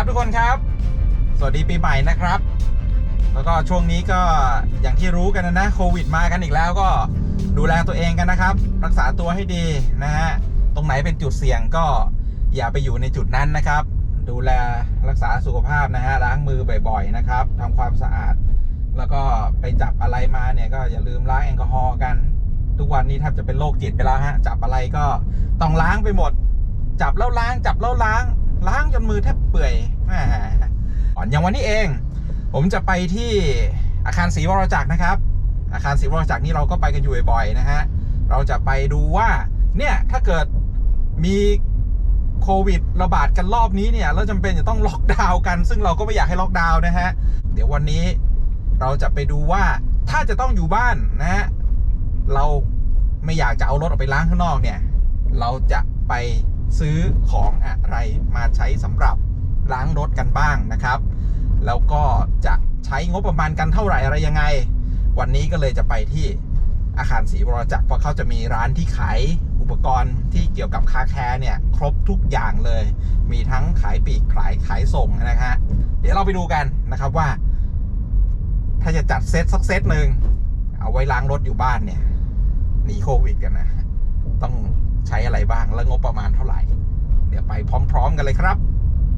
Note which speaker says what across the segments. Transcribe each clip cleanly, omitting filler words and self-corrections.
Speaker 1: ทุกคนครับสวัสดีปีใหม่นะครับแล้วก็ช่วงนี้ก็อย่างที่รู้กันนะโควิดมากันอีกแล้วก็ดูแลตัวเองกันนะครับรักษาตัวให้ดีนะฮะตรงไหนเป็นจุดเสี่ยงก็อย่าไปอยู่ในจุดนั้นนะครับดูแลรักษาสุขภาพนะฮะล้างมือบ่อยๆนะครับทำความสะอาดแล้วก็ไปจับอะไรมาเนี่ยก็อย่าลืมล้างแอลกอฮอล์กันทุกวันนี้แทบจะเป็นโรคจิตไปแล้วฮะจับอะไรก็ต้องล้างไปหมดจับแล้วล้างจับแล้วล้างจนมือแทบเปื่อยอย่างวันนี้เองผมจะไปที่อาคารศรีวรจักรนะครับอาคารศรีวรจักรนี่เราก็ไปกันอยู่บ่อยๆนะฮะเราจะไปดูว่าเนี่ยถ้าเกิดมีโควิดระบาดกันรอบนี้เนี่ยเราจำเป็นจะต้องล็อกดาวน์กันซึ่งเราก็ไม่อยากให้ล็อกดาวน์นะฮะเดี๋ยววันนี้เราจะไปดูว่าถ้าจะต้องอยู่บ้านนะฮะเราไม่อยากจะเอารถออกไปล้างข้างนอกเนี่ยเราจะไปซื้อของอะไรมาใช้สำหรับล้างรถกันบ้างนะครับแล้วก็จะใช้งบประมาณกันเท่าไหร่อะไรยังไงวันนี้ก็เลยจะไปที่อาคารศรีวรจักรเพราะเขาจะมีร้านที่ขายอุปกรณ์ที่เกี่ยวกับคาแคร์เนี่ยครบทุกอย่างเลยมีทั้งขายปลีกขายส่งนะฮะเดี๋ยวเราไปดูกันนะครับว่าถ้าจะจัดเซตสักเซตหนึ่งเอาไว้ล้างรถอยู่บ้านเนี่ยหนีโควิดกันนะต้องใช้อะไรบ้างและงบประมาณเท่าไหร่เดี๋ยวไปพร้อมๆกันเลยครับ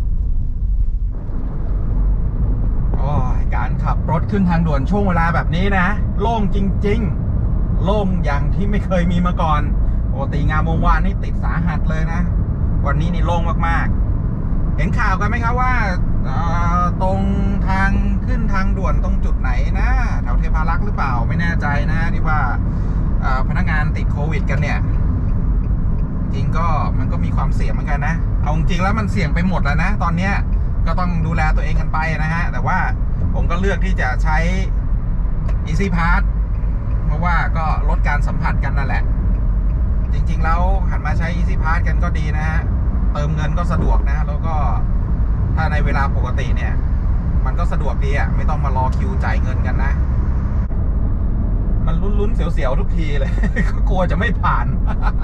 Speaker 1: การขับรถขึ้นทางด่วนช่วงเวลาแบบนี้นะโล่งจริงๆโล่งอย่างที่ไม่เคยมีมาก่อนปกติงามวงวานนี่ติดสาหัสเลยนะวันนี้นี่โล่งมากๆเห็นข่าวกันไหมครับว่าตรงทางขึ้นทางด่วนตรงจุดไหนนะแถวเทพารักษ์หรือเปล่าไม่แน่ใจนะที่ว่าพนักงานติดโควิดกันเนี่ยจริงก็มันก็มีความเสี่ยงเหมือนกันนะเอาจริงแล้วมันเสี่ยงไปหมดแล้วนะตอนเนี้ยก็ต้องดูแลตัวเองกันไปนะฮะแต่ว่าผมก็เลือกที่จะใช้ Easy Pass เพราะว่าก็ลดการสัมผัสกันนั่นแหละจริงๆแล้วหันมาใช้ Easy Pass กันก็ดีนะฮะเติมเงินก็สะดวกนะแล้วก็ถ้าในเวลาปกติเนี่ยมันก็สะดวกดีอ่ะไม่ต้องมารอคิวจ่ายเงินกันนะมันลุ้นๆเสียวๆทุกทีเลย ก็กลัวจะไม่ผ่าน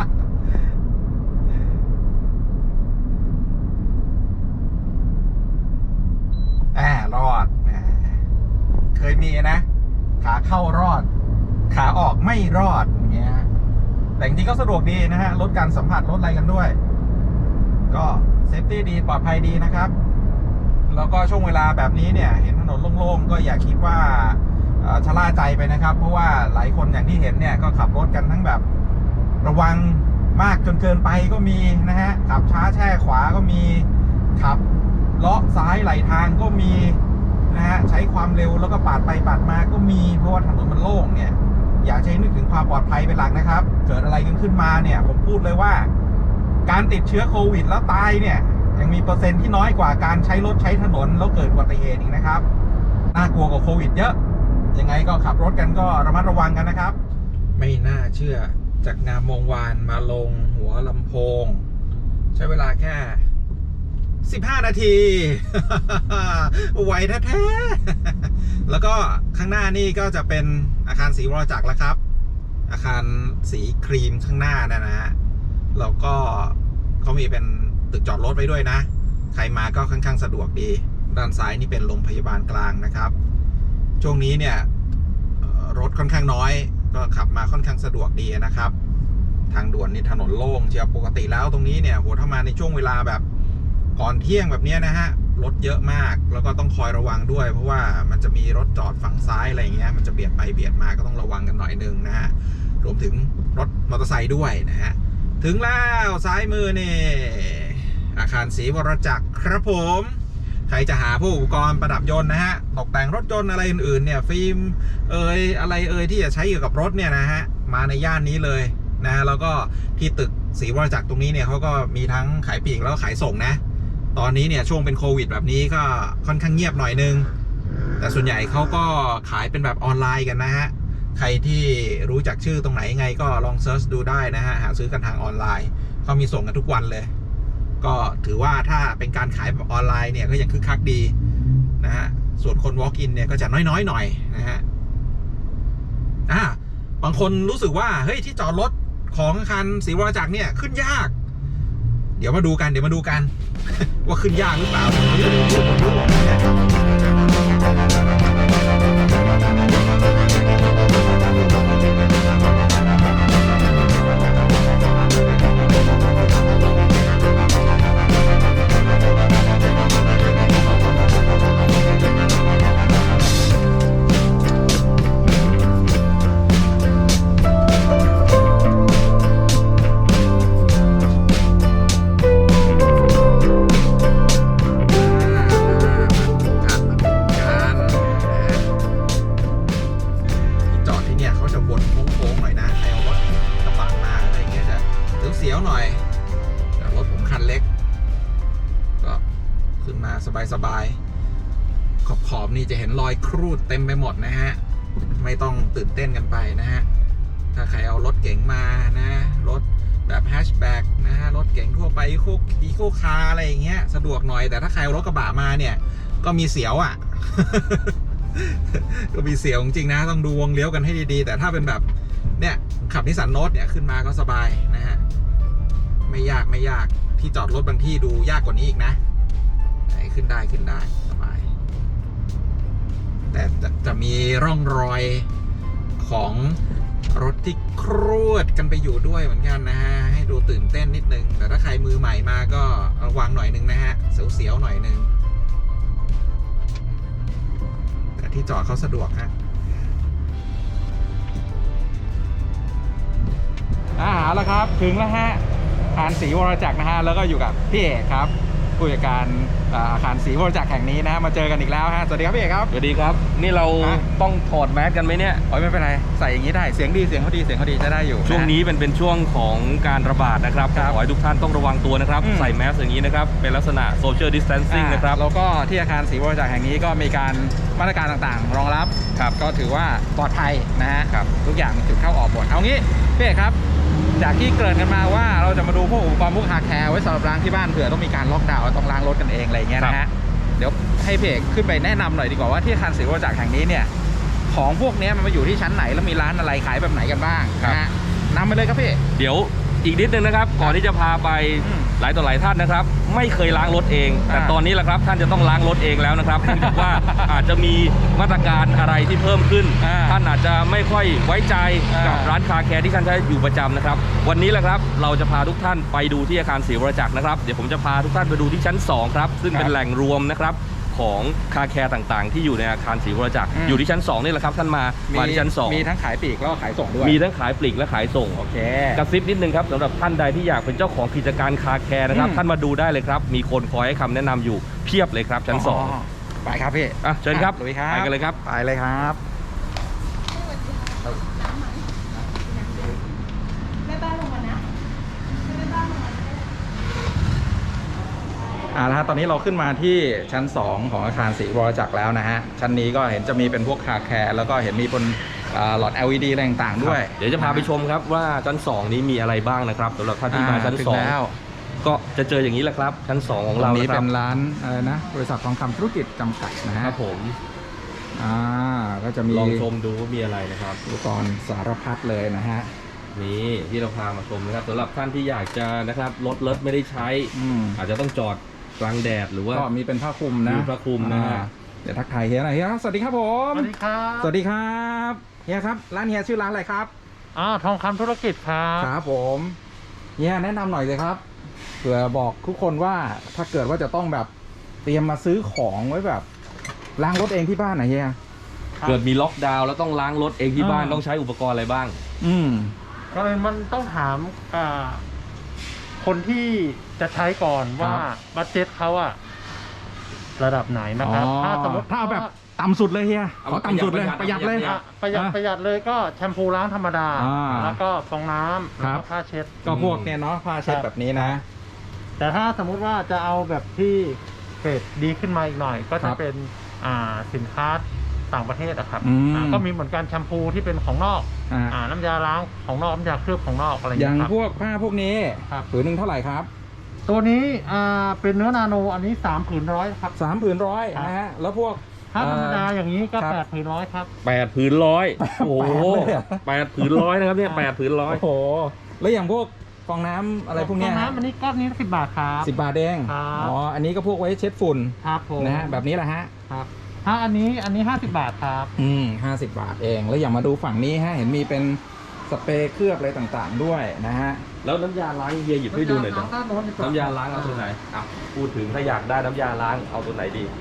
Speaker 1: รอดเคยมีนะขาเข้ารอดขาออกไม่รอดอย่างเงี้ยแต่จริงๆก็สะดวกดีนะฮะลดการสัมผัสลดอะไรกันด้วยก็เซฟตี้ดีปลอดภัยดีนะครับแล้วก็ช่วงเวลาแบบนี้เนี่ยเห็นถนนโล่งๆก็อย่าคิดว่าชะล่าใจไปนะครับเพราะว่าหลายคนอย่างที่เห็นเนี่ยก็ขับรถกันทั้งแบบระวังมากจนเกินไปก็มีนะฮะขับช้าแช่ขวาก็มีขับเลาะซ้ายไหลทางก็มีนะฮะใช้ความเร็วแล้วก็ปาดไปปาดมาก็มีเพราะว่าถนนมันโล่งเนี่ยอยากใช้นึกถึงความปลอดภัยเป็นหลักนะครับเกิดอะไรขึ้นมาเนี่ยผมพูดเลยว่าการติดเชื้อโควิดแล้วตายเนี่ยยังมีเปอร์เซ็นต์ที่น้อยกว่าการใช้รถใช้ถนนแล้วเกิดอุบัติเหตุอีกนะครับน่ากลัวกว่าโควิดเยอะยังไงก็ขับรถกันก็ระมัดระวังกันนะครับไม่น่าเชื่อจากงามวงวานมาลงหัวลำโพงใช้เวลาแค่15 นาที ไวแท้ๆแล้วก็ข้างหน้านี่ก็จะเป็นอาคารศรีวรจักรแล้วครับอาคารสีครีมข้างหน้านะฮะแล้วก็เขามีเป็นตึกจอดรถไว้ด้วยนะใครมาก็ค่อนข้างสะดวกดีด้านซ้ายนี่เป็นโรงพยาบาลกลางนะครับช่วงนี้เนี่ยรถค่อนข้างน้อยก็ขับมาค่อนข้างสะดวกดีนะครับทางด่วนนี่ถนนโล่งเชียวปกติแล้วตรงนี้เนี่ยโหถ้ามาในช่วงเวลาแบบก่อนเที่ยงแบบนี้นะฮะรถเยอะมากแล้วก็ต้องคอยระวังด้วยเพราะว่ามันจะมีรถจอดฝั่งซ้ายอะไรเงี้ยมันจะเบียดไปเบียดมาก็ต้องระวังกันหน่อยนึงนะฮะรวมถึงรถมอเตอร์ไซค์ด้วยนะฮะถึงแล้วซ้ายมือนี่อาคารศรีวรจักรครับผมใครจะหาพวกอุปกรณ์ประดับยนต์นะฮะตกแต่งรถยนต์อะไรอื่นๆเนี่ยฟิล์มอะไรที่จะใช้เกี่ยวกับรถเนี่ยนะฮะมาในย่านนี้เลยนะแล้วก็ที่ตึกศรีวรจักรตรงนี้เนี่ยเขาก็มีทั้งขายปลีกแล้วก็ขายส่งนะตอนนี้เนี่ยช่วงเป็นโควิดแบบนี้ก็ค่อนข้างเงียบหน่อยนึงแต่ส่วนใหญ่เขาก็ขายเป็นแบบออนไลน์กันนะฮะใครที่รู้จักชื่อตรงไหนไงก็ลองเซิร์ชดูได้นะฮะหาซื้อกันทางออนไลน์เขามีส่งกันทุกวันเลยก็ถือว่าถ้าเป็นการขายแบบออนไลน์เนี่ยก็ยังคึกคักดีนะฮะส่วนคน walk in เนี่ยก็จะน้อยหน่อยนะฮะบางคนรู้สึกว่าเฮ้ยที่จอดรถของอาคารศรีวรจักรเนี่ยขึ้นยากเดี๋ยวมาดูกันว่าขึ้นยากหรือเปล่าขอบนี่จะเห็นรอยครูดเต็มไปหมดนะฮะไม่ต้องตื่นเต้นกันไปนะฮะถ้าใครเอารถเก๋งมานะรถแบบแฮชแบ็กนะฮะรถเก๋งทั่วไปอีโคคาร์อะไรอย่างเงี้ยสะดวกหน่อยแต่ถ้าใครเอารถกระบะมาเนี่ยก็มีเสียวอ่ะ ก็มีเสียวจริงๆนะต้องดูวงเลี้ยวกันให้ดีๆแต่ถ้าเป็นแบบเนี่ยขับนิสสันโนตเนี่ยขึ้นมาก็สบายนะฮะไม่ยากที่จอดรถบางที่ดูยากกว่านี้อีกนะขึ้นได้สบายแต่จะมีร่องรอยของรถที่ครูดกันไปอยู่ด้วยเหมือนกันนะฮะให้ดูตื่นเต้นนิดนึงแต่ถ้าใครมือใหม่มาก็ระวังหน่อยนึงนะฮะเสียวๆหน่อยนึงแต่ที่จอดเขาสะดวกฮะแล้วครับถึงแล้วฮะอาคารศรีวรจักรนะฮะแล้วก็อยู่กับพี่เอกครับผู้จัดการอาคารศรีวรจักรแห่งนี้นะมาเจอกันอีกแล้วฮะสวัสดีครับพี่เอกครับ
Speaker 2: สวัสดีครับนี่เราต้องถอดแมสกันไหมเนี่ย
Speaker 1: ไม่เป็นไรใส่อย่างนี้ได้เสียงเขาดีจะได้อยู่
Speaker 2: ช่วงนี้เป็นช่วงของการระบาดนะครับขอให้ทุกท่านต้องระวังตัวนะครับใส่แมสอย่างนี้นะครับเป็นลักษณะ social distancing นะครับ
Speaker 1: แล้วก็ที่อาคารศรีวรจักรแห่งนี้ก็มีการมาตรการต่างๆรองรับครับก็ถือว่าปลอดภัยนะฮะทุกอย่างมีจุดเข้าออกหมดเอางี้พี่เอกครับจากที่เกริ่นกันมาว่าเราจะมาดูพวกอุปกรณ์พวกคาร์แคร์ไว้สำหรับล้างที่บ้านเผื่อต้องมีการล็อกดาวน์ต้องล้างรถกันเองอะไรเงี้ยนะฮะเดี๋ยวให้พี่เอกขึ้นไปแนะนำหน่อยดีกว่าว่าที่อาคารศรีวรจักรแห่งนี้เนี่ยของพวกนี้มันมาอยู่ที่ชั้นไหนแล้วมีร้านอะไรขายแบบไหนกันบ้างนะฮะนำไปเลยครับพี่
Speaker 2: เดี๋ยวอีกนิดนึงนะครับก่อนที่จะพาไปหลายต่อหลายท่านนะครับไม่เคยล้างรถเองแต่ตอนนี้แหละครับท่านจะต้องล้างรถเองแล้วนะครับเนื่องจากว่าอาจจะมีมาตรการอะไรที่เพิ่มขึ้นท่านอาจจะไม่ค่อยไว้ใจกับร้านคาร์แคร์ที่ท่านใช้อยู่ประจำนะครับวันนี้แหละครับเราจะพาทุกท่านไปดูที่อาคารศรีวรจักรนะครับเดี๋ยวผมจะพาทุกท่านไปดูที่ชั้น2ครับซึ่งเป็นแหล่งรวมนะครับของคาร์แคร์ต่างๆที่อยู่ในอาคารศรีวรจักรอยู่ที่ชั้น2นี่แหละครับท่านมาที่ชั้น2
Speaker 1: มีทั้งขายปลีกแล้วก็ขายส่งด้วย
Speaker 2: มีทั้งขายปลีกและขายส่ง
Speaker 1: โอเค
Speaker 2: กระซิบนิดนึงครับสำหรับท่านใดที่อยากเป็นเจ้าของกิจการคาร์แคร์นะครับท่านมาดูได้เลยครับมีคนคอยให้คำแนะนำอยู่เพียบเลยครับชั้น2
Speaker 1: ไปครับพี่
Speaker 2: เชิญครับ
Speaker 1: ไป
Speaker 2: กันเลยครับ
Speaker 1: ไปเลยครับแล้วฮะตอนนี้เราขึ้นมาที่ชั้น2ของอาคารศรีวรจักรแล้วนะฮะชั้นนี้ก็เห็นจะมีเป็นพวกคาร์แคร์แล้วก็เห็นมีบนหลอด LED อะไรต่างๆด้วย
Speaker 2: เดี๋ยวจะพาไปชมครับว่าชั้น2นี้มีอะไรบ้างนะครับสำหรับท่านที่มาชั้น2ก็จะเจออย่างนี้แหละครับชั้น2ของเรา
Speaker 1: นี้เป็นร้านอะไรนะบริษัททองคำธุรกิจจำกัดนะฮะ
Speaker 2: ครับผม
Speaker 1: ก็จะมี
Speaker 2: ลองชมดูว่ามีอะไรนะครับ
Speaker 1: อุปกรณ์สารพัดเลยนะฮะ
Speaker 2: นี่ที่เราพามาชมนะครับสำหรับท่านที่อยากจะนะครับรถไม่ได้ใช้อาจจะต้องจอดกลางแดดหรือว่า
Speaker 1: ก็มีเป็นผ้าคลุมนะ
Speaker 2: มีผ้าคลุมนะฮะ
Speaker 1: เดี๋ยวทักทายเฮียหน่อยเฮียสวัสดีครับผม
Speaker 3: สวัสดีครับ
Speaker 1: สวัสดีครับเฮียครับร้านเฮียชื่อร้านอะไรครับ
Speaker 3: ทองคำธุรกิจครับ
Speaker 1: ครับผมเฮียแนะนำหน่อยเลยครับเผื่อบอกทุกคนว่าถ้าเกิดว่าจะต้องแบบเตรียมมาซื้อของไว้แบบล้างรถเองที่บ้านไหนเฮีย
Speaker 2: เกิดมีล็อกดาวน์แล้วต้องล้างรถเองที่บ้านต้องใช้อุปกรณ์อะไรบ้าง
Speaker 3: ก็เลยมันต้องถามคนที่จะใช้ก่อนว่าบัดเจ็ตเขาระดับไหนนะครับ
Speaker 1: ถ้าสมมติถ้าแบบต่ำสุดเลยเฮียขอต่ำสุดเลยประหยัดเลย
Speaker 3: ประหยัดเลยก็แชมพูล้างธรรมดาแล้วก็ฟองน้ำแล้วก็ผ้าเช็ด
Speaker 1: ก็พวกเนี่ยเนาะผ้าเช็ดแบบนี้นะ
Speaker 3: แต่ถ้าสมมุติว่าจะเอาแบบที่เกรดดีขึ้นมาอีกหน่อยก็จะเป็นสินค้าต่างประเทศครับก็มีเหมือนกันแชมพูที่เป็นของนอกน้ำยาล้างของนอกน้ำยาเคลือบของนอกอะไร
Speaker 1: อย่างพวกผ้าพวกนี้ผืนหนึ่งเท่าไหร่ครับ
Speaker 3: ตัวนี้เป็นเนื้อนาโนอันนี้3 ผืนร้อยครับ
Speaker 1: 3 ผืนร้อยนะฮะแล้วพวก
Speaker 3: ถ้าธรรมดาอย่างนี้ก็8 ผืนร้อยครับ
Speaker 2: 8 ผืนร้อยโอ้โห8 ผืนร้อยนะครับเนี่ย8 ผืนร้อย
Speaker 1: โอ้โหแล้วอย่างพวกฟองน้ำอะไรพวกนี้
Speaker 3: ฟองน้ำอันนี้ก้อนนี้10 บาทครับ
Speaker 1: 10 บาทเองอันนี้ก็พวกไว้เช็ดฝุ่น
Speaker 3: ครับผม
Speaker 1: นะฮะแบบนี้แหละฮะ
Speaker 3: ครับถ้าอันนี้50 บาทครับ
Speaker 1: 50 บาทเองแล้วอย่ามาดูฝั่งนี้ฮะเห็นมีเป็นสเปรย์เคลือบอะไรต่างๆด้วยนะฮะ
Speaker 2: แล้วน้ำยาล้างเฮียหยิบให้ดูหน่อยนะน้ำยาล้างเอาตัวไหนพูดถึงถ้าอยากได้น้ำยาล้างเอาตัวไหนดี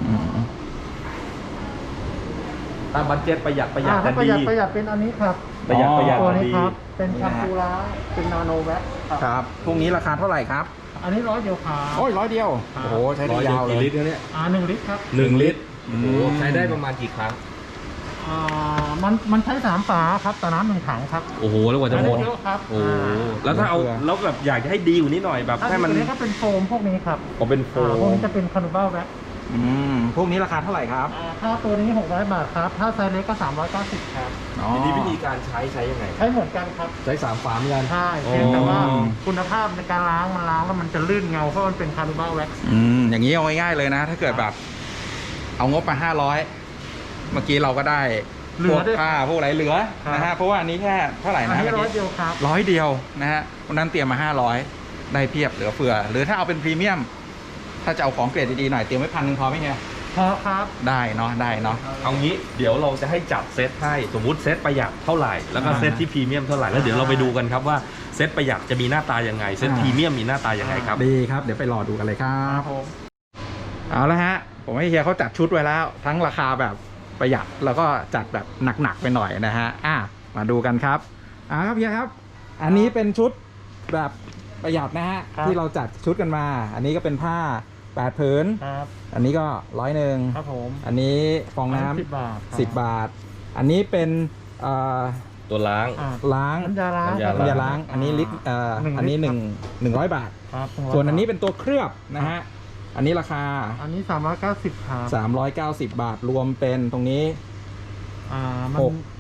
Speaker 2: ถ้าบัดเจ็ตประหยัด
Speaker 3: ถ้าประหยัดเป็นอันนี้ครับ
Speaker 2: ประหยัด
Speaker 3: ตัวนี้ครับเป็นแชมพูล้างเป็นนาโนแว็ก
Speaker 1: ครับพวกนี้ราคาเท่าไหร่ครับ
Speaker 3: อันนี้100 เดียวครับ
Speaker 1: โอ้ย100 เดียวโอ้โหใช้ได้ยาวเลย
Speaker 2: ลิตรเนี่ย
Speaker 3: 1 ลิตรครับ
Speaker 2: 1 ลิตรโอ้โหใช้ได้ประมาณกี่ครั้ง
Speaker 3: มันใช้3 ฝาครับแต่น้ำ1 ถังครับ
Speaker 2: โอ้โหแล้วกว่าจะหมด
Speaker 3: เยอะครับ
Speaker 2: โอ้แล้วถ้าเอาแล้วแบบอยากจะให้ดีกว่านี้หน่อยแบบให้มัน
Speaker 3: ก็เป็นโฟมพวกนี้ครับ
Speaker 2: เป็นโฟม
Speaker 3: พวกนี้จะเป็นคาร์บอนแว็ก
Speaker 1: พวกนี้ราคาเท่าไหร่ครับ
Speaker 3: ถ้าตัวนี้600 บาทครับถ้าไซส์เล็กก็390ครับ
Speaker 2: ทีนี้วิธีการใช้ยังไง
Speaker 3: ใช้เหมือนกันครับ
Speaker 2: ใช้3ฝาเหมือนกัน
Speaker 3: ใช่เพียงแต่ว่าคุณภาพในการล้างมันล้างแล้วมันจะลื่นเงาเพราะมันเป็นคาร์บูแว็กซ์
Speaker 1: อย่างนี้เอาง่ายๆเลยนะ ถ้าเกิดแบบเอางบมา500เมื่อกี้เราก็ได้พวกผ้าพวกอะไรเหลือนะฮะเพราะว่าอันนี้แค่เท่าไหร่นะ
Speaker 3: 100 เดียวครับ
Speaker 1: 100 เดียวนะฮะวันนั้นเตรียมมา500ได้เพียบเหลือเฟือหรือถ้าเอาเป็นพรีเมียมถ้าจะเอาของเกรดดีๆหน่อยเตรียมไว้1,000พอไหมเฮีย
Speaker 3: พอครับ
Speaker 1: ได้เนาะได้เนาะ
Speaker 2: เอางี้เดี๋ยวเราจะให้จับเซตให้สมมุติเซตประหยัดเท่าไหร่แล้วก็เซตที่พรีเมียมเท่าไหร่แล้วเดี๋ยวเราไปดูกันครับว่าเซตประหยัดจะมีหน้าตายังไงเซตพรีเมียมมีหน้าตายังไงครับ
Speaker 1: ดีครับเดี๋ยวไปรอดูกันเลยครั
Speaker 3: ครับ บผม
Speaker 1: เอาละฮะผมให้เฮียเขาจัดชุดไว้แล้ว ทั้งราคาแบบประหยัดแล้วก็จัดแบบหนักๆไปหน่อยนะฮะมาดูกันครับครับเฮียครับ อันนี้เป็นชุดแบบประหยัดนะฮะที่เราจัดชุดกันมา อันนี้ก็เป็นผ้า8ผืน
Speaker 3: ครับ
Speaker 1: อันนี้ก็100
Speaker 3: ครับผม
Speaker 1: อันนี้ฟองน้ำ
Speaker 3: 10 บาท
Speaker 1: 10 บาท อันนี้เป็น
Speaker 2: ตัวล้าง
Speaker 1: ล้าง
Speaker 3: น้ำยาล้าง
Speaker 2: น้ำยา
Speaker 1: ล้างอันนี้ลิตรอันนี้100 บาท
Speaker 3: ครับ
Speaker 1: ส่วนอันนี้เป็นตัวเคลือบนะฮะอันนี้ราคา
Speaker 3: อันนี้390ครับ
Speaker 1: 390 บาทรวมเป็นตรงนี้
Speaker 3: มัน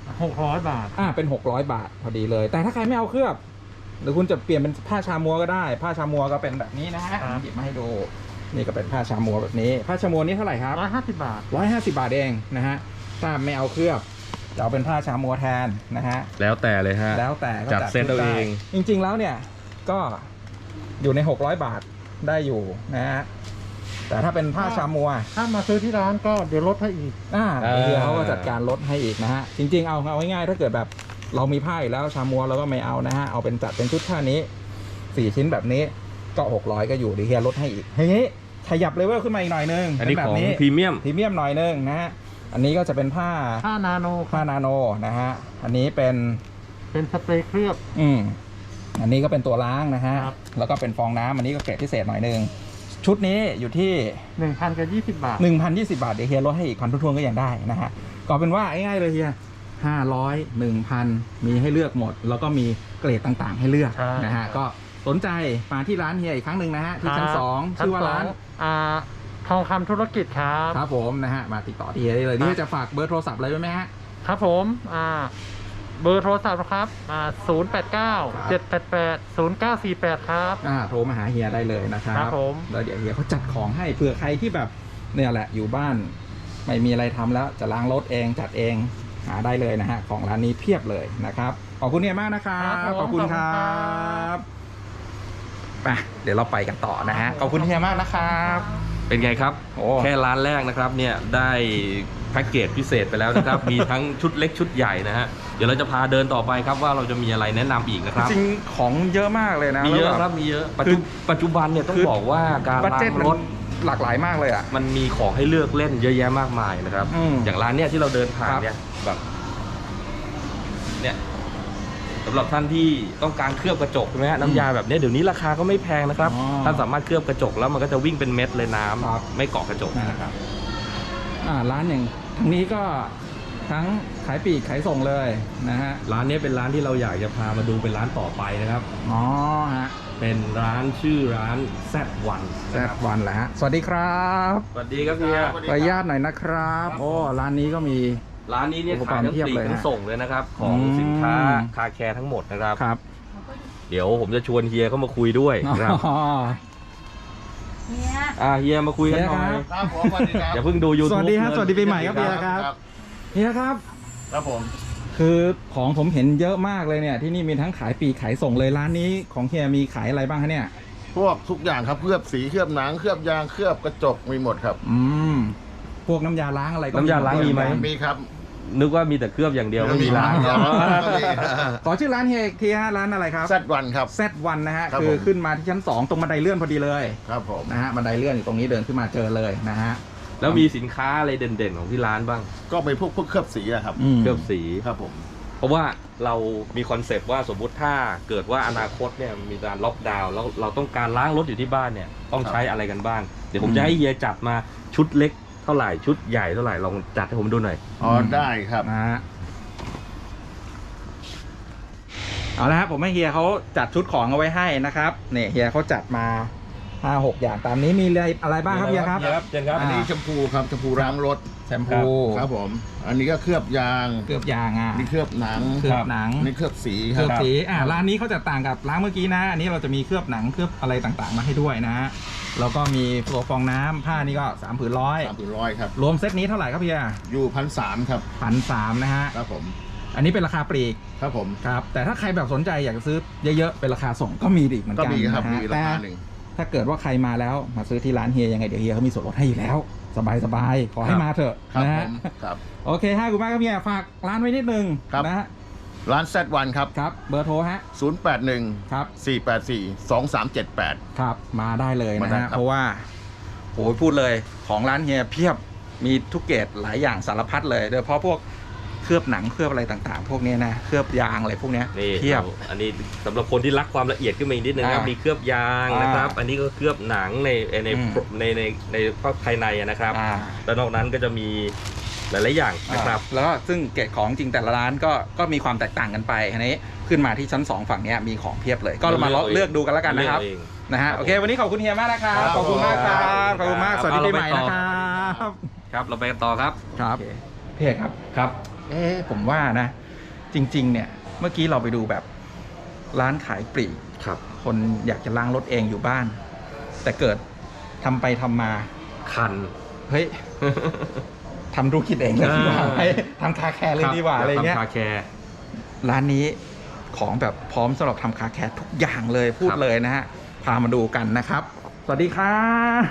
Speaker 3: 600 บาท
Speaker 1: เป็น600 บาทพอดีเลย แต่ถ้าใครไม่เอาเคลือบหรือคุณจะเปลี่ยนเป็นผ้าชามัวก็ได้ ผ้าชามัวก็เป็นแบบนี้นะฮะหยิบมาให้ดูนี่ก็เป็นผ้าชามัวแบบนี้ผ้าชามัวนี้เท่าไหร่ครับ
Speaker 3: 150 บาท
Speaker 1: 150 บาทเองนะฮะถ้าไม่เอาเคลือบจะเอาเป็นผ้าชามัวแทนนะฮะ
Speaker 2: แล้วแต่เลยฮะ
Speaker 1: แล้วแต่ก็
Speaker 2: จัดเซตเอาเอง
Speaker 1: จริงๆแล้วเนี่ยก็อยู่ใน600 บาทได้อยู่นะฮะแต่ถ้าเป็นผ้าชามัว
Speaker 3: ถ้ามาซื้อที่ร้านก็เดี๋ยวลดให้อีก
Speaker 1: เดี๋ยวเขาก็จัดการลดให้อีกนะฮะจริงๆเอาง่ายๆถ้าเกิดแบบเรามีผ้าอยู่แล้วชามัวเราก็ไม่เอานะฮะเอาเป็นจัดเป็นชุดผ้านี้4ชิ้นแบบนี้ก็600ก็อยู่เดี๋ยวเฮียลดให้อีกทีนี้ขยับเลเวลขึ้นมาอีกหน่อยนึง
Speaker 2: อันนี้ของพรีเมียม
Speaker 1: หน่อยนึงนะฮะอันนี้ก็จะเป็นผ้า
Speaker 3: นาโน
Speaker 1: นะฮะอันนี้เป็น
Speaker 3: สเปรย์เคลือบ
Speaker 1: อันนี้ก็เป็นตัวล้างนะฮะแล้วก็เป็นฟองน้ำอันนี้ก็เกรดพิเศษหน่อยนึงชุดนี้อยู่ที่
Speaker 3: 1,020 บาท
Speaker 1: 1,020 บาทเดี๋ยวเฮียลดให้อีกพันทวนก็ยังได้นะฮะก็เป็นว่าง่ายๆเลยเฮีย500 1,000 มีให้เลือกหมดแล้วก็มีเกรดต่างๆให้เลือกนะฮะก็สนใจมาที่ร้านเฮียอีกครั้งหนึ่งนะฮะที่ชั้น2ชื่อว่าร้าน
Speaker 3: ทองคำธุรกิจครับ
Speaker 1: ครับผมนะฮะมาติดต่อที่เฮียได้เลยนี่จะฝากเบอร์โทรศัพท์อะไรไว้ไหมฮะ
Speaker 3: ครับผมเบอร์โทรศัพท์ครับ089-788-0948ครับ
Speaker 1: โทรมาหาเฮียได้เลยนะครับ
Speaker 3: ครับผม
Speaker 1: แล้วเดี๋ยวเฮียเขาจัดของให้เผื่อใครที่แบบเนี่ยแหละอยู่บ้านไม่มีอะไรทำแล้วจะล้างรถเองจัดเองหาได้เลยนะฮะของร้านนี้เพียบเลยนะครับขอบคุณเฮียมากนะครับขอบคุณครับไปเดี๋ยวเราไปกันต่อนะฮะขอบคุณเฮียมากนะครับ
Speaker 2: เป็นไงครับแค่ร้านแรกนะครับเนี่ยได้แพ็กเกจพิเศษไปแล้วนะครับ มีทั้งชุดเล็กชุดใหญ่นะฮะเดี๋ยวเราจะพาเดินต่อไปครับว่าเราจะมีอะไรแนะนำอีกนะครับ
Speaker 1: จริงของเยอะมากเลยนะ
Speaker 2: มีเยอะครับมีเยอะปัจจุบันเนี่ยต้องบอกว่าการล้างรถ
Speaker 1: หลากหลายมากเลยอ่ะ
Speaker 2: มันมีของให้เลือกเล่นเยอะแยะมากมายนะครับอย่างร้านเนี่ยที่เราเดินผ่านเนี่ยแบบเนี่ยสำหรับท่านที่ต้องการเคลือบกระจกใช่ไหมฮะน้ำยาแบบนี้เดี๋ยวนี้ราคาก็ไม่แพงนะครับท่านสามารถเคลือบกระจกแล้วมันก็จะวิ่งเป็นเม็ดเลยน้ำไม่เกาะกระจกนะครับ
Speaker 1: ร้านอย่างทั้งนี้ก็ทั้งขายปลีกขายส่งเลยนะฮะ
Speaker 2: ร้านนี้เป็นร้านที่เราอยากจะพามาดูเป็นร้านต่อไปนะครับ
Speaker 1: ฮะ
Speaker 2: เป็นร้านชื่อร้าน Z1
Speaker 1: แหละฮะสวัสดีครับ
Speaker 2: สวัสดีครับพี่
Speaker 1: ขออนุญาตหน่อยนะครับร้านนี้ก็มี
Speaker 2: ร้านนี้เนี่ยขายทั้งปลีกทั้งส่งเลยนะครับของสินค้าคาแคร์ทั้งหมดนะครับ
Speaker 1: ครับ
Speaker 2: เดี๋ยวผมจะชวนเฮียเข้ามาคุยด้วยนะครับเฮียมาคุยกันหน่อย
Speaker 4: ครับผมสวัสดีครับ
Speaker 2: อย่าเพิ่งดู YouTube
Speaker 1: สวัสดีครับสวัสดีปีใหม่ครับเฮียครับเฮียครับ
Speaker 4: ครับผม
Speaker 1: คือของผมเห็นเยอะมากเลยเนี่ยที่นี่มีทั้งขายปลีกขายส่งเลยร้านนี้ของเฮียมีขายอะไรบ้างคะเนี่ย
Speaker 4: พวกทุกอย่างครับเคลือบสีเคลือบหนังเคลือบยางเคลือบกระจกมีหมดครับ
Speaker 1: พวกน้ำยาล้างอะไรก็
Speaker 2: น้ำยาล้างมีไหม
Speaker 4: มีครับ
Speaker 2: นึกว่ามีแต่เคลือบอย่างเดียวไม่มีล้าง
Speaker 1: ขอชื่อร้านเฮียอีกทีฮะร้านอะไรครับ
Speaker 4: Z1 ครับ
Speaker 1: Z1 นะฮะคือขึ้นมาที่ชั้น2ตรงบันไดเลื่อนพอดีเลย
Speaker 4: ครับผม
Speaker 1: นะฮะบันไดเลื่อนอยู่ตรงนี้เดินขึ้นมาเจอเลยนะฮะ
Speaker 2: แล้วมีสินค้าอะไรเด่นๆของที่ร้านบ้าง
Speaker 4: ก็เป็นพวกเคลือบสีครับ
Speaker 2: เคลือบสี
Speaker 4: ครับผม
Speaker 2: เพราะว่าเรามีคอนเซปต์ว่าสมมุติถ้าเกิดว่าอนาคตเนี่ยมีการล็อกดาวน์แล้วเราต้องการล้างรถอยู่ที่บ้านเนี่ยต้องใช้อะไรกันบ้างเดี๋ยวผมจะให้เฮียจัดมาชุดเล็กเท่าไหร่ชุดใหญ่เท่าไหร่ลองจัดให้ผมดูหน่อย
Speaker 4: ได้ครับ
Speaker 1: นะฮะเอาละครับผมให้เฮียเขาจัดชุดของเอาไว้ให้นะครับเนี่ยเฮียเขาจัดมา 5-6 อย่างตามนี้มีอะไรบ้างครับเฮียครับ
Speaker 2: เจนครับ
Speaker 4: อันนี้แชมพูครับแชมพูล้างรถ
Speaker 1: แชมพู
Speaker 4: ครับผม อันนี้ก็เคลือบยาง
Speaker 1: เคลือบยาง
Speaker 4: นี่เคลือบหนัง
Speaker 1: เคลือบหนัง
Speaker 4: นี่เคลือบสีค
Speaker 1: เคลื
Speaker 4: รั
Speaker 1: อบบ สีร้านนี้เขาจะต่างกับร้านเมื่อกี้นะ อันนี้เราจะมีเคลือบหนังเคลือบอะไรต่างๆมาให้ด้วยนะฮะแล้วก็มีตัวฟองน้ำผ้านี่ก็3 ผืนร้อย
Speaker 4: 300ครับ
Speaker 1: รวมเซตนี้เท่าไหร่ครับเฮีย
Speaker 4: อยู่1,300ครับ
Speaker 1: 1,300นะฮะ
Speaker 4: ครับผม
Speaker 1: อันนี้เป็นราคาปลีก
Speaker 4: ครับผม
Speaker 1: ครับแต่ถ้าใครแบบสนใจอยากจะซื้อเยอะๆเป็นราคาส่งก็มีอีกเหมือน
Speaker 4: ก็
Speaker 1: กัน
Speaker 4: มีครับ
Speaker 1: นะ
Speaker 4: มี
Speaker 1: ฮะ
Speaker 4: รา
Speaker 1: แต่
Speaker 4: คาหนึ่ง
Speaker 1: ถ้าเกิดว่าใครมาแล้วมาซื้อที่ร้านเฮียยังไงเดี๋ยวเฮียเขามีส่วนลดให้อยู่แล้วสบายๆขอให้มาเถอะ
Speaker 4: ครับ
Speaker 1: นะ
Speaker 4: ผ
Speaker 1: ฮะ
Speaker 4: มครับ
Speaker 1: โอเคฮะคุณมากครับเฮียฝากร้านไว้นิดนึง
Speaker 4: ครับ
Speaker 1: นะฮะ
Speaker 4: ร้าน Z1 ครับ
Speaker 1: ครับเบอร์โทรฮะ
Speaker 4: 081
Speaker 1: ครับ
Speaker 4: 484 2378
Speaker 1: ครับมาได้เลย
Speaker 4: มา
Speaker 1: นะ
Speaker 4: ได้
Speaker 1: ฮะ
Speaker 4: ครับ
Speaker 1: เพราะว่าโอ้ยพูดเลยของร้านเฮียเพียบมีทุกเกรดหลายอย่างสารพัดเลยโดยเฉพาะพวกเคลือบหนังเคลือบอะไรต่างๆ พวกนี้นะเคลือบยางอะไรพวกเนี้ย
Speaker 2: นี่
Speaker 1: เพียบ
Speaker 2: อันนี้สำหรับคนที่รักความละเอียดขึ้นมาอีกนิดนึงครับ มีเคลือบยางนะครับ อันนี้ก็เคลือบหนังใน
Speaker 1: อืม
Speaker 2: ในภายในนะครับ
Speaker 1: อ่า
Speaker 2: แล้วนอกนั้นก็จะมีหลายๆอย่างนะครับ
Speaker 1: แล้วก็ซึ่งเกรดของจริงแต่ละร้านก็มีความแตกต่างกันไปอันนี้ขึ้นมาที่ชั้น 2 ฝั่งเนี้ยมีของเพียบเลย ก็มาเลือกดูกันแล้วกันนะครับ
Speaker 2: เลือกเอง
Speaker 1: นะฮะ
Speaker 2: ครับ
Speaker 1: โอเค วันนี้ขอบคุณเฮียมากนะครับ
Speaker 4: ครับ
Speaker 1: ขอบคุณมากครับขอบคุณมาก
Speaker 2: ครับ
Speaker 1: สวัสดีปีใหม่
Speaker 2: เรา
Speaker 1: นะ
Speaker 2: ไป
Speaker 1: ค
Speaker 2: ต่อ
Speaker 1: รับ
Speaker 2: ครับเราไปกันต่อครับ
Speaker 1: ครับพี่เอกครับ
Speaker 2: ครับ
Speaker 1: ผมว่านะ จริง ๆ เนี่ยเมื่อกี้เราไปดูแบบร้านขายปลีก
Speaker 2: ครับ
Speaker 1: คนอยากจะล้างรถเองอยู่บ้าน แต่เกิดทำไปทำมา
Speaker 2: คัน
Speaker 1: เฮ้ย ทำธุรกิจเองเลยดีกว่า
Speaker 2: อ่า
Speaker 1: ให้ทำคาแคร์เลยดีกว่าอะไรเงี้ย
Speaker 2: ทำคาแคร์
Speaker 1: ร้านนี้ของแบบพร้อมสำหรับทำคาแคร์ทุกอย่างเลยพูด
Speaker 2: ครับ
Speaker 1: เลยนะฮะพามาดูกันนะครับ สวัสดีครับ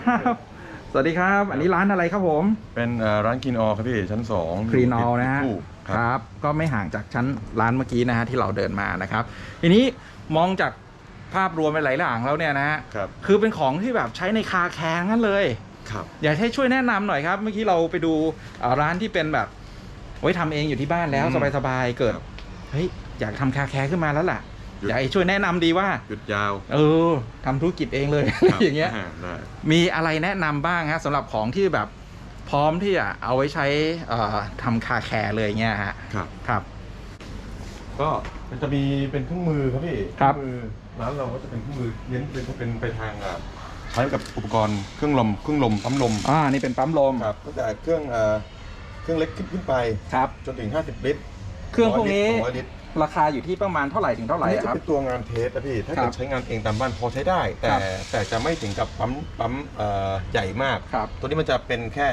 Speaker 1: สวัสดีครับ อันนี้ร้านอะไรครับผม
Speaker 5: เป็นร้านกินออครับพี่ชั้น2
Speaker 1: ครีนอลนะฮะ
Speaker 5: คู่ค
Speaker 1: ครับ รับ ก็ไม่ห่างจากชั้นร้านเมื่อกี้นะฮะที่เราเดินมานะครับทีนี้มองจากภาพรวมไปหลายอย่างแล้วเนี่ยนะฮะ
Speaker 5: ครับ
Speaker 1: คือเป็นของที่แบบใช้ในคาแคร์งั้นเลย
Speaker 5: ครับ
Speaker 1: อยากให้ช่วยแนะนำหน่อยครับ เมื่อกี้เราไปดูร้านที่เป็นแบบไว้ทำเองอยู่ที่บ้านแล้ว
Speaker 5: อืม
Speaker 1: สบายๆเกิด
Speaker 5: ครับ
Speaker 1: เฮ้ยอยากทำคาแคร์ขึ้นมาแล้วล่ะ
Speaker 5: หยุด
Speaker 1: อยากให้ช่วยแนะนำดีว่า
Speaker 5: หยุดยาว
Speaker 1: ทำธุรกิจเองเลย
Speaker 5: ครับ
Speaker 1: อย่างเงี้ย
Speaker 5: ได้
Speaker 1: มีอะไรแนะนำบ้างฮะสำหรับของที่แบบพร้อมที่จะเอาไว้ใช้ทำคาแคร์เลยเงี้ยฮะ
Speaker 5: ครับ
Speaker 1: ครับ
Speaker 5: ก็มันจะมีเป็นเครื่องมือครับพี่
Speaker 1: ครับ
Speaker 5: เครื่องมือร้านเราก็จะเป็นเครื่องมือเน้นเป็นไปทางใช้กับอุปกรณ์เครื่องลมปั๊มลม
Speaker 1: นี่เป็นปั๊มลม
Speaker 5: ครับตั้งแต่เครื่องเล็กขึ้นไป
Speaker 1: ครับ
Speaker 5: จนถึง50 ลิตร
Speaker 1: เครื่องพวกนี้
Speaker 5: 100 ลิตร
Speaker 1: ราคาอยู่ที่ประมาณเท่าไหร่ถึงเท่าไห
Speaker 5: อั
Speaker 1: ร่
Speaker 5: นนี้
Speaker 1: ค
Speaker 5: จะ
Speaker 1: รับ
Speaker 5: เป็นตัวงานเทสนะพี่ ถ้า
Speaker 1: ครั
Speaker 5: เกิ
Speaker 1: บ
Speaker 5: ดใช้งานเองตามบ้านพอใช้ได้
Speaker 1: ครับ
Speaker 5: แต่จะไม่ถึงกับปั๊มใหญ่มาก
Speaker 1: ครับ
Speaker 5: ตัวนี้มันจะเป็นแค่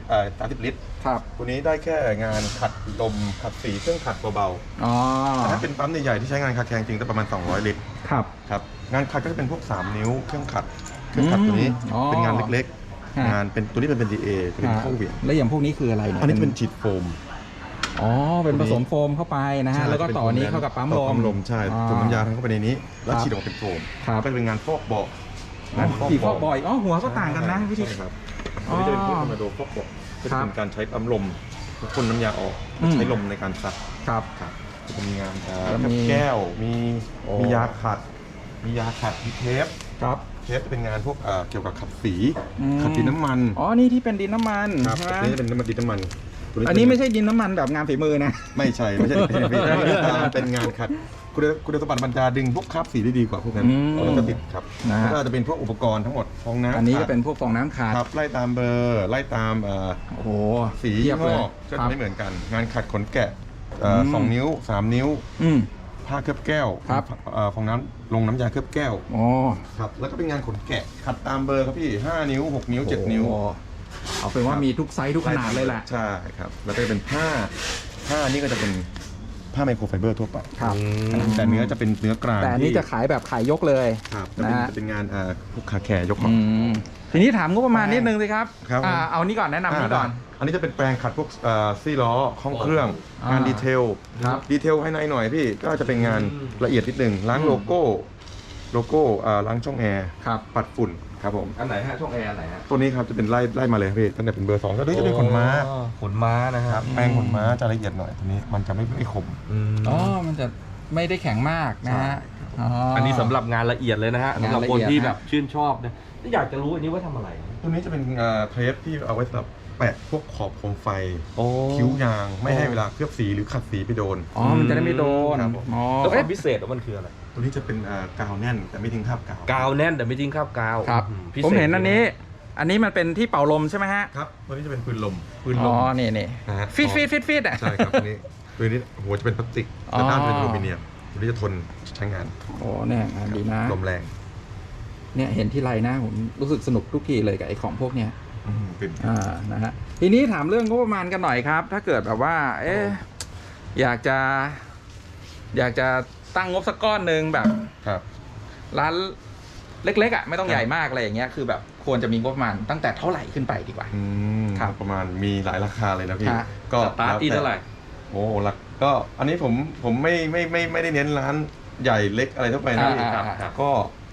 Speaker 5: 30 ลิตร
Speaker 1: ครับ
Speaker 5: ตัวนี้ได้แค่งานขัดลมขัดสีเครื่องขัดเบา
Speaker 1: อ๋อ
Speaker 5: ๆแต่ถ้าเป็นปั๊มใหญ่ๆที่ใช้งานคาแคร์จริงจะประมาณ200 ลิตร
Speaker 1: ครับ
Speaker 5: ครับงานขัดก็จะเป็นพวก3 นิ้วเครื่องขัดตัวนี้
Speaker 1: อ๋อ
Speaker 5: เป็นงานเล็ก
Speaker 1: ฮะ
Speaker 5: ๆงานเป็นตัวนี้เป็น DA จะเป็นข้อเหวี่ยง
Speaker 1: แล้วอย่างพวกนี้คืออะไรเนี่ย
Speaker 5: อันนี้จะเป็นฉีดโฟม
Speaker 1: อ๋อเป็นผสมโฟมเข้าไปนะฮะแล้วก็ต่อนี้เข้ากับปั๊มล
Speaker 5: ต่อ
Speaker 1: ม
Speaker 5: ปั๊มลมใช่
Speaker 1: อ๋อ
Speaker 5: จุ่มน้ำยาทั้งเข้าไปในนี้ แล้ว
Speaker 1: ครับ
Speaker 5: ฉีดออกมาเป็นโฟม
Speaker 1: ครับ
Speaker 5: ก็จะเป็นงานฟอกเบาะ
Speaker 1: กี่ฟอกบ่อยหัวก็ต่างกันนะวิธี
Speaker 5: ใช่ครับ
Speaker 1: อ๋
Speaker 5: อั
Speaker 1: อน
Speaker 5: นี้จะเป็นพวกคอมมานโดฟอกเบาะก็
Speaker 1: ครั
Speaker 5: จะ
Speaker 1: บ
Speaker 5: เป็นการใช้ปั๊มลมพ่นน้ำยาออก
Speaker 1: อืม
Speaker 5: ใช้ลมในการซัก
Speaker 1: ครับ
Speaker 5: ครับจะมีงาน
Speaker 1: แล้วมี
Speaker 5: แก้วมี
Speaker 1: โอ้
Speaker 5: มียาขัดมีเทป
Speaker 1: ครับ
Speaker 5: เทปจะเป็นงานพวกเกี่ยวกับขัดสี
Speaker 1: อืม
Speaker 5: ขัดดินน้ำมัน
Speaker 1: อ๋อนี่ที่เป็นดินน้ำมัน
Speaker 5: ครับ
Speaker 1: ใช่ไหม
Speaker 5: ตัวนี้จะเป็นน้ำมันดินน้ำมันตัว
Speaker 1: อันนี้ไม่ใช่ดินน้ำมันแบบงานฝีมือนะ
Speaker 5: ไม่ใช่เป็นงานขัดคุณสมบัติมันจะดึงพวกคราบสีได้ดีกว่าพวกนั้น
Speaker 1: อืม
Speaker 5: แล้วก็ติดครับ
Speaker 1: นะฮะ
Speaker 5: แล้วก็จะเป็นพวกอุปกรณ์ทั้งหมดฟองน้ำ
Speaker 1: อันนี้จะเป็นพวกฟองน้ำขาด
Speaker 5: ครับไล่ตามเบอร์ไล่ตาม
Speaker 1: โอ้โห
Speaker 5: สี
Speaker 1: เทียบเลย
Speaker 5: งอกก็
Speaker 1: ครั
Speaker 5: จะ
Speaker 1: บ
Speaker 5: ไม่เหมือนกัน งานขัดขนแกะ
Speaker 1: อืม
Speaker 5: 2 นิ้ว 3 นิ้ว
Speaker 1: อืม
Speaker 5: ผ้าเคลือบแก้ว
Speaker 1: ครับ
Speaker 5: ฟองน้ำลงน้ำยาเคลือบแก้ว
Speaker 1: อ๋อ
Speaker 5: ครับแล้วก็เป็นงานขนแกะขัดตามเบอร์ครับพี่5 นิ้ว 6 นิ้ว 7 นิ้ว
Speaker 1: โอ้เอาเป็นว่ามีทุกไซส์ทุกขนาดเลยแหละ
Speaker 5: ใช่ครับแล้วก็จะเป็นผ้านี่ก็จะเป็นผ้าไมโครไฟเบอร์ทั่วไป
Speaker 1: ครับ
Speaker 5: แต่เนื้อจะเป็นเนื้อกลาง
Speaker 1: แต่อันนี้จะขายแบบขายยกเลย
Speaker 5: ครับจะ
Speaker 1: นะ
Speaker 5: เป็น
Speaker 1: ฮะ
Speaker 5: จะเป็นงานพวกคาแคร์ยกของ
Speaker 1: ทีนี้ถามงบประมาณนิดนึงสิครับ
Speaker 5: ครับผม
Speaker 1: เอานี้ก่อนแนะนำนี้ก่อน
Speaker 5: อันนี้จะเป็นแปลงขัดพวกซี่ล้อห้องเครื่อง
Speaker 1: อ่าง
Speaker 5: านดีเทล
Speaker 1: ครับ
Speaker 5: ดีเทลภายในหน่อยพี่ก็จะเป็นงานละเอียดนิดหนึ่งล้างโลโก้ล้างช่องแอร์
Speaker 1: ครับ
Speaker 5: ปัดฝุ่นครับผม
Speaker 2: อันไหนฮะช่องแอร์อันไหนฮะ
Speaker 5: ตัวนี้ครับจะเป็นไล่มาเลยครับพี่ตั้งแต่เป็นเบอร์2แล้วนี่จะเป็นขนม้า
Speaker 2: ขนม้านะฮะ
Speaker 5: ครับแปลงขนม้าจะละเอียดหน่อยตัวนี้มันจะไม่คม
Speaker 1: อ๋อ มันจะไม่ได้แข็งมากนะฮะ
Speaker 2: อันนี้สำหรับงานละเอียดเลยนะฮะ
Speaker 1: งาน
Speaker 2: สำหรับ
Speaker 1: ละ
Speaker 2: คน
Speaker 1: เอียด
Speaker 2: ที่
Speaker 1: นะ
Speaker 2: แบบชื่นชอบนะอยากจะรู้อันนี้ว่าทำอะไร
Speaker 5: ตัวนี้จะเป็นเทปที่เอาไว้สำหรับแปะพวกขอบโคมไฟ
Speaker 2: โอ้
Speaker 5: คิ้วยางไม่ให้เวลาเคลือบสีหรือขัดสีไปโดน
Speaker 1: อ๋อ มันจะได้ไม่โดน
Speaker 5: ครับผม
Speaker 1: อ๋อ
Speaker 2: แล้วค
Speaker 1: เอ๊ะ
Speaker 2: วามพิเศษของมันคืออะไร
Speaker 5: ตัวนี้จะเป็นกาวแน่นแต่ไม่ทิ้งคราบกาว
Speaker 2: กาวแน่นแต่ไม่ทิ้งคราบกาว
Speaker 1: ครับ
Speaker 2: พิศษ
Speaker 1: ผมเห็นอันนี้มันเป็นที่เป่าลมใช่ไหมฮะ
Speaker 5: ครับตัวนี้จะเป็นปืนลม
Speaker 1: อ๋อนี่นี่
Speaker 5: นะฮะ
Speaker 1: ฟีดอ่ะ
Speaker 5: ใช่ครับตัวนี้ปืนนี้หัวจะเป็นพลาสติก
Speaker 1: อ๋อ
Speaker 5: แต่ด้านเป็นอลูมิเนียมตัวนี้จะทนใช้งาน
Speaker 1: โอ้เนี่ยดีนะ
Speaker 5: ลมแรง
Speaker 1: เนี่ยเห็นที่ไรนะผมรู้สึกสนุกทุกทีเลยกับไอ้ของพวกเนี้ย
Speaker 5: เป็น
Speaker 1: นะฮะทีนี้ถามเรื่องงบประมาณกันหน่อยครับ ถ้าเกิดแบบว่า อยากจะตั้งงบสักก้อนหนึ่งแบบ
Speaker 5: ครับ
Speaker 1: ร้านเล็กๆอ่ะไม่ต้องใหญ่มากอะไรอย่างเงี้ยคือแบบควรจะมีงบประมาณตั้งแต่เท่าไหร่ขึ้นไปดีกว่า ครับ
Speaker 5: ประมาณมีหลายราคาเลยนะพี่
Speaker 1: ฮะ
Speaker 5: ก็
Speaker 2: สตาร์ทที่เท่าไหร่
Speaker 5: โอ้หลักก็อันนี้ผมไม่ได้เน้นร้านใหญ่เล็กอะไรทั่วไปนะพี่
Speaker 1: ครับ
Speaker 5: ก็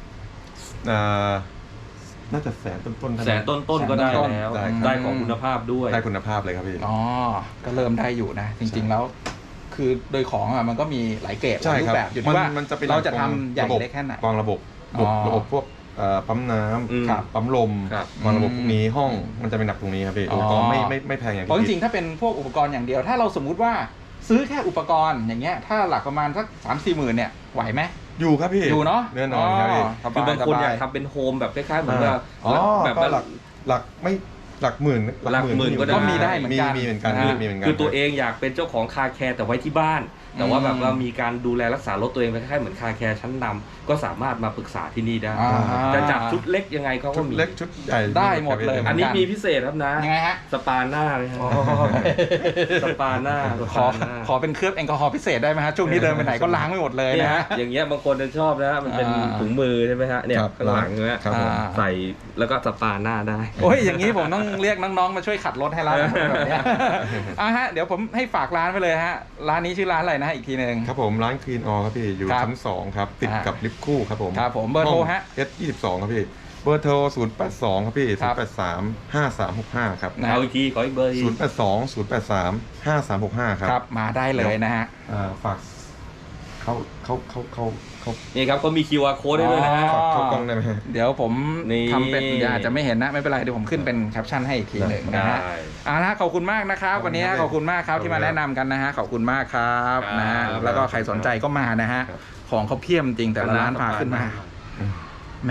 Speaker 5: น่าจะแสนต้นๆ
Speaker 2: แสนต้นๆก็ได้แล้ว
Speaker 5: ได้
Speaker 2: ได้ของคุณภาพด้วย
Speaker 5: ได้คุณภาพเลยครับพี่
Speaker 1: อ๋อก็เริ่มได้อยู่นะ จริงๆแล้ว คือโดยของอ่ะมันก็มีหลายเกรดห
Speaker 5: ใช่
Speaker 1: ลายรู
Speaker 5: ครั
Speaker 1: ป
Speaker 5: บ
Speaker 1: แบบอยู่ที่ว่า
Speaker 5: มันจะเป็น
Speaker 1: เราจะทำใหญ่เล็กแค่ไหน
Speaker 5: วางระบบ
Speaker 1: อ๋อ
Speaker 5: ระบบพวกปั๊มน้
Speaker 2: อืม
Speaker 5: ำปั๊มลม
Speaker 2: ครับ
Speaker 5: วางระบบพวกนี้ห้องมันจะเป็นหนักตรงนี้ครับพี่
Speaker 1: อ๋อ
Speaker 5: ก็ไม่แพงอย่าง
Speaker 1: เพราะจ
Speaker 5: ที่
Speaker 1: ริงๆถ้าเป็นพวกอุปกรณ์อย่างเดียว ถ้าเราสมมุติว่าซื้อแค่อุปกรณ์อย่างเงี้ยถ้าหลักประมาณสัก3-4 หมื่นเนี่ยไหวไหม
Speaker 5: อยู่ครับพี่
Speaker 1: อยู่เนาะ
Speaker 5: แน่นอนครับพี่
Speaker 1: ส
Speaker 2: คือบางคนอยาก
Speaker 1: สบ
Speaker 2: ทำเป็นโฮมแบบคล้ายๆเหมือนกับ แบบ
Speaker 5: ก็
Speaker 2: ว่า
Speaker 5: หลักไม่หลักหมื่น
Speaker 2: หลักหมื่นก็ได้
Speaker 1: ก็มีได้เหมือนกัน
Speaker 5: มีเหมือนกัน
Speaker 1: นะฮะ
Speaker 5: มีเหมือนกัน
Speaker 2: คือตัวเองอยากเป็นเจ้าของคาแคร์แต่ไว้ที่บ้าน แต่ว่าแบบว่ามีการดูแลรักษารถตัวเองคล้ายๆเหมือนคาแคร์ชั้นนำก็สามารถมาปรึกษาที่นี่ได้
Speaker 1: อ่า
Speaker 2: จะจัดชุดเล็กยังไงเขา
Speaker 5: ชุ
Speaker 2: ก็
Speaker 5: ด
Speaker 2: มี
Speaker 5: เล็กชุดใหญ่
Speaker 1: ได้หมดเลย
Speaker 2: อันนี้มีพิเศษครับนะ
Speaker 1: ยังไงฮะ
Speaker 2: สปาหน้าเลยฮะสปาหน้าส
Speaker 1: ขอ
Speaker 2: ปาหน้า
Speaker 1: ขอเป็นเคลือบแอลกอฮอล์พิเศษได้ไหมฮะช่วงนี้เดินไปไหนก็ล้างไม่หมดเลย
Speaker 2: เนี่ย
Speaker 1: นะฮะ
Speaker 2: อย่างเงี้ยบางคนจะชอบนะมันเป็น
Speaker 1: อ่า
Speaker 2: ถุงมือใช่ไหมฮะเนี่ย
Speaker 5: ครับ
Speaker 2: ข้างหลังเนี่ย
Speaker 5: ครับผม
Speaker 2: ใส่แล้วก็สปาหน้าได้
Speaker 1: โอ้ยอย่างนี้ผมต้องเรียกน้องๆมาช่วยขัดรถให้แล้วแบบเนี้ยฮะเดี๋ยวผมให้ฝากร้านไปเลยฮะร้านนี้ชื่อร้านอะไรนะอีกทีหนึ่ง
Speaker 5: ครับผมร้านคลีนออครับพี่อยู่
Speaker 1: ครับ
Speaker 5: ชั้น2ครับติดกับลิฟต์คู่ครับผม
Speaker 1: ครับผมเบอร์โทรฮะ
Speaker 5: S22 ครับพี่เบอร์โทร082ครับพี่
Speaker 1: ครับ
Speaker 5: 083 5365ครับ
Speaker 1: นะ
Speaker 2: เอาอีกทีขออีกเบอร์อีก
Speaker 5: 082 083 5365ครับ
Speaker 1: ครับมาได้เลยนะฮะ
Speaker 5: ฝากเข้า
Speaker 2: นี่ครับก็มี QR code ได้ด้วยนะฮะ
Speaker 1: อ๋อ
Speaker 5: ฝากเข้ากล้องได้ไหมฮะ
Speaker 1: เดี๋ยวผม
Speaker 2: นี่
Speaker 1: ทำเป็นอาจจะไม่เห็นนะไม่เป็นไรเดี๋ยวผมขึ้นเป็นแคปชั่นให้อีกทีหนึ่งนะฮะ
Speaker 2: ได้
Speaker 1: เอาละขอบคุณมากนะครับ วันนี้ขอบคุณมากครับที่มาแนะนำกันนะฮะขอบคุณมากครับ
Speaker 2: ครับ
Speaker 1: นะฮะแล้วก็ใครสนใจก็มานะฮะ
Speaker 5: ครับ
Speaker 1: ของเขาเพียบจริงแต่ละร้านพาขึ้นมาแหม่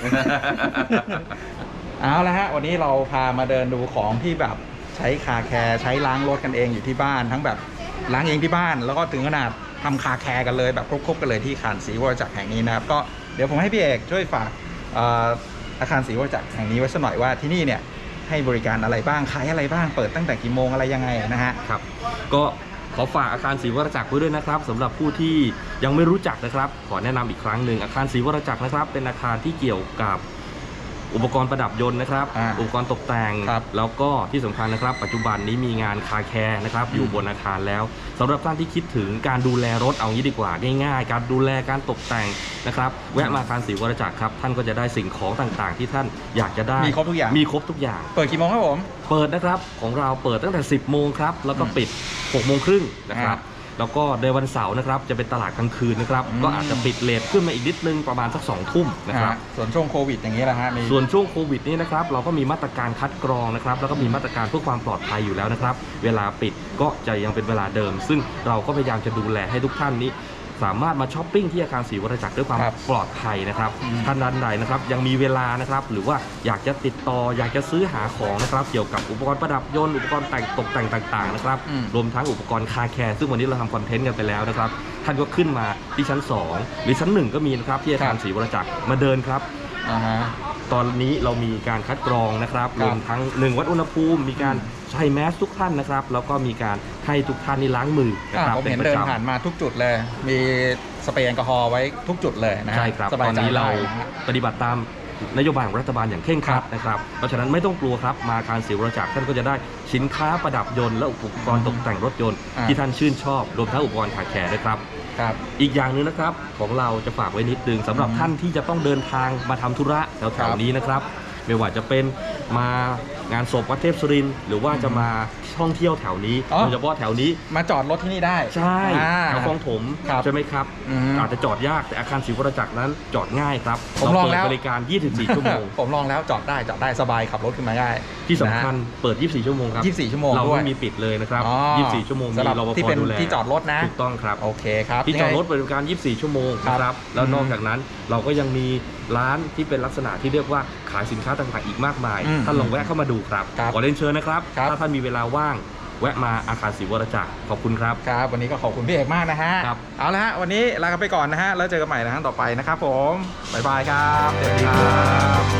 Speaker 1: เอาละฮะวันนี้เราพามาเดินดูของที่แบบใช้คาแคร์ใช้ล้างรถกันเองอยู่ที่บ้านทั้งแบบล้างเองที่บ้าน แล้วก็ถึงขนาดทำคาแคร์กันเลยแบบครบๆกันเลยที่อาคารศรีวรจักรแห่งนี้นะครับก็เดี๋ยวผมให้พี่เอกช่วยฝากอาคารศรีวรจักรแห่งนี้ไว้สักหน่อยว่าที่นี่เนี่ยให้บริการอะไรบ้างขายอะไรบ้างเปิดตั้งแต่กี่โมงอะไรยังไงนะฮะ
Speaker 2: ครับก็ขอฝากอาคารศรีวรจักรไว้ด้วยนะครับสำหรับผู้ที่ยังไม่รู้จักนะครับขอแนะนำอีกครั้งหนึ่งอาคารศรีวรจักรนะครับเป็นอาคารที่เกี่ยวกับอุปกรณ์ประดับยนต์นะครับ อุปกรณ์ตกแต่ง
Speaker 1: ครับ
Speaker 2: แล้วก็ที่สำคัญนะครับปัจจุบันนี้มีงานคาแคร์นะครับอยู่บนอาคารแล้วสำหรับท่านที่คิดถึงการดูแลรถเอางี้ดีกว่าง่ายๆ การดูแลการตกแต่งนะครับแวะมาอาคารศรีวรจักรครับท่านก็จะได้สิ่งของต่างๆ ที่ท่านอยากจะได้
Speaker 1: มีครบทุกอย่าง
Speaker 2: มีครบทุกอย่าง
Speaker 1: เปิดกี่โมงครับผม
Speaker 2: เปิดนะครับของเราเปิดตั้งแต่ 10 โมงครับแล้วก็ปิด 6 โมงครึ่งนะครับแล้วก็ในวันเสาร์นะครับจะเป็นตลาดกลางคืนนะครับก็อาจจะปิดเลทขึ้นมาอีกนิดนึงประมาณสัก2 ทุ่มนะครับ
Speaker 1: ส่วนช่วงโควิดอย่างนี้แหละฮะมี
Speaker 2: ส่วนช่วงโควิดนี้นะครับเราก็มีมาตรการคัดกรองนะครับแล้วก็มีมาตรการเพื่อความปลอดภัยอยู่แล้วนะครับเวลาปิดก็จะยังเป็นเวลาเดิม ซึ่งเราก็พยายามจะดูแลให้ทุกท่านนี้สามารถมาช้อปปิ้งที่อาคารศรีวรจักรด้วยความ
Speaker 1: ครับ
Speaker 2: ปลอดภัยนะครับ
Speaker 1: อืม
Speaker 2: ท่านใดนะครับยังมีเวลานะครับหรือว่าอยากจะติดต่ออยากจะซื้อหาของนะครับเกี่ยวกับอุปกรณ์ประดับยนต์อุปกรณ์แต่งตกแต่งต่างๆนะครับ
Speaker 1: อืม
Speaker 2: รวมทั้งอุปกรณ์คาแคร์ซึ่งวันนี้เราทำคอนเทนต์กันไปแล้วนะครับท่านก็ขึ้นมาที่ชั้น 2 หรือชั้น 1 ก็มีนะครับที่อาคารศรีวรจักรมาเดินครับ
Speaker 1: อ่าฮะ
Speaker 2: ตอนนี้เรามีการคัดกรองนะครับ
Speaker 1: ครับ
Speaker 2: รวมทั้ง1วัดอุณหภูมิมีการใช้แมสทุกท่านนะครับแล้วก็มีการให้ทุกท่านนี่ล้างมือนะครับ
Speaker 1: ผมเห็น
Speaker 2: ประ
Speaker 1: เดิน
Speaker 2: จำ
Speaker 1: ผ่านมาทุกจุดเลย มีสเปรย์แอลกอฮอล์ไว้ทุกจุดเลยนะฮะ
Speaker 2: ใช่ครับ
Speaker 1: ส
Speaker 2: ต
Speaker 1: บาย
Speaker 2: อน
Speaker 1: ใจ
Speaker 2: นี้เรา
Speaker 1: ได้นะฮะ
Speaker 2: ปฏิบัติตามนโยบายของรัฐบาลอย่างเคร่งครัดนะครับเพราะฉะนั้นไม่ต้องกลัวครับมาอาคารศรีวรจักรท่านก็จะได้สินค้าประดับยนต์และอุปกรณ์ตกแต่งรถยนต์
Speaker 1: อ่า
Speaker 2: ที่ท่านชื่นชอบรวมทั้งอุปกรณ์คาแคร์ด้วยครับ
Speaker 1: ครับ
Speaker 2: อีกอย่างหนึ่งนะครับของเราจะฝากไว้นิดนึงสำหรับท่านที่จะต้องเดินทางมาทำธุระแถวๆนี้นะครับไม่ว่าจะเป็นมางานศพวัดเทพสุรินทร์หรือว่าจะมาท่องเที่ยวแถวนี้
Speaker 1: อ๋อ
Speaker 2: โดยเฉพาะแถวนี้
Speaker 1: มาจอดรถที่นี่ได้
Speaker 2: ใช่ แถวคลองถม
Speaker 1: ครับ
Speaker 2: ใช่ไหมครับ
Speaker 1: อืม
Speaker 2: อาจจะจอดยากแต่อาคารศรีวรจักรนั้นจอดง่ายครับ
Speaker 1: ผมลองแล้ว
Speaker 2: เปิดบริการ 24 ชั่วโมง
Speaker 1: ผมลองแล้วจอดได้สบายขับรถขึ้นมาได้
Speaker 2: ที่สำคัญเปิด 24 ชั่วโมงครับ
Speaker 1: 24 ชั่วโมง
Speaker 2: เรา
Speaker 1: ด้วย
Speaker 2: ไม่มีปิดเลยนะครับ
Speaker 1: อ๋อ
Speaker 2: 24 ชั่วโมง
Speaker 1: สำหรับ
Speaker 2: มีรปภ
Speaker 1: ที่เป็น
Speaker 2: ดูแล
Speaker 1: ที่จอดรถนะ
Speaker 2: ถูกต้องครับ
Speaker 1: โอเคครับ
Speaker 2: ที่จอดรถ
Speaker 1: ยังไง
Speaker 2: บริการ 24 ชั่วโมง
Speaker 1: ครับ
Speaker 2: นะครับ แล้วนอก
Speaker 1: อืม
Speaker 2: จากนั้นเราก็ยังมีร้านที่เป็นลักษณะที่เรียกว่าขายสินค้าต่างๆอีกมากมาย
Speaker 1: อืม
Speaker 2: ท่านลองแวะเข้ามาดูครับ
Speaker 1: ครับ
Speaker 2: ขอเรียนเชิญนะครับ
Speaker 1: ครับ
Speaker 2: ถ้าท่านมีเวลาว่างแวะมาอาคารศรีวรจักรขอบคุณครับ
Speaker 1: ครับวันนี้ก็ขอบคุณพี่เอกมากนะฮะ
Speaker 2: ครับ
Speaker 1: เอาละฮะวันนี้ลากันไปก่อนนะฮะแล้วเจอกันใหม่นะฮะต่อไปนะครับผมบ๊ายบายครับสวัสดีครับ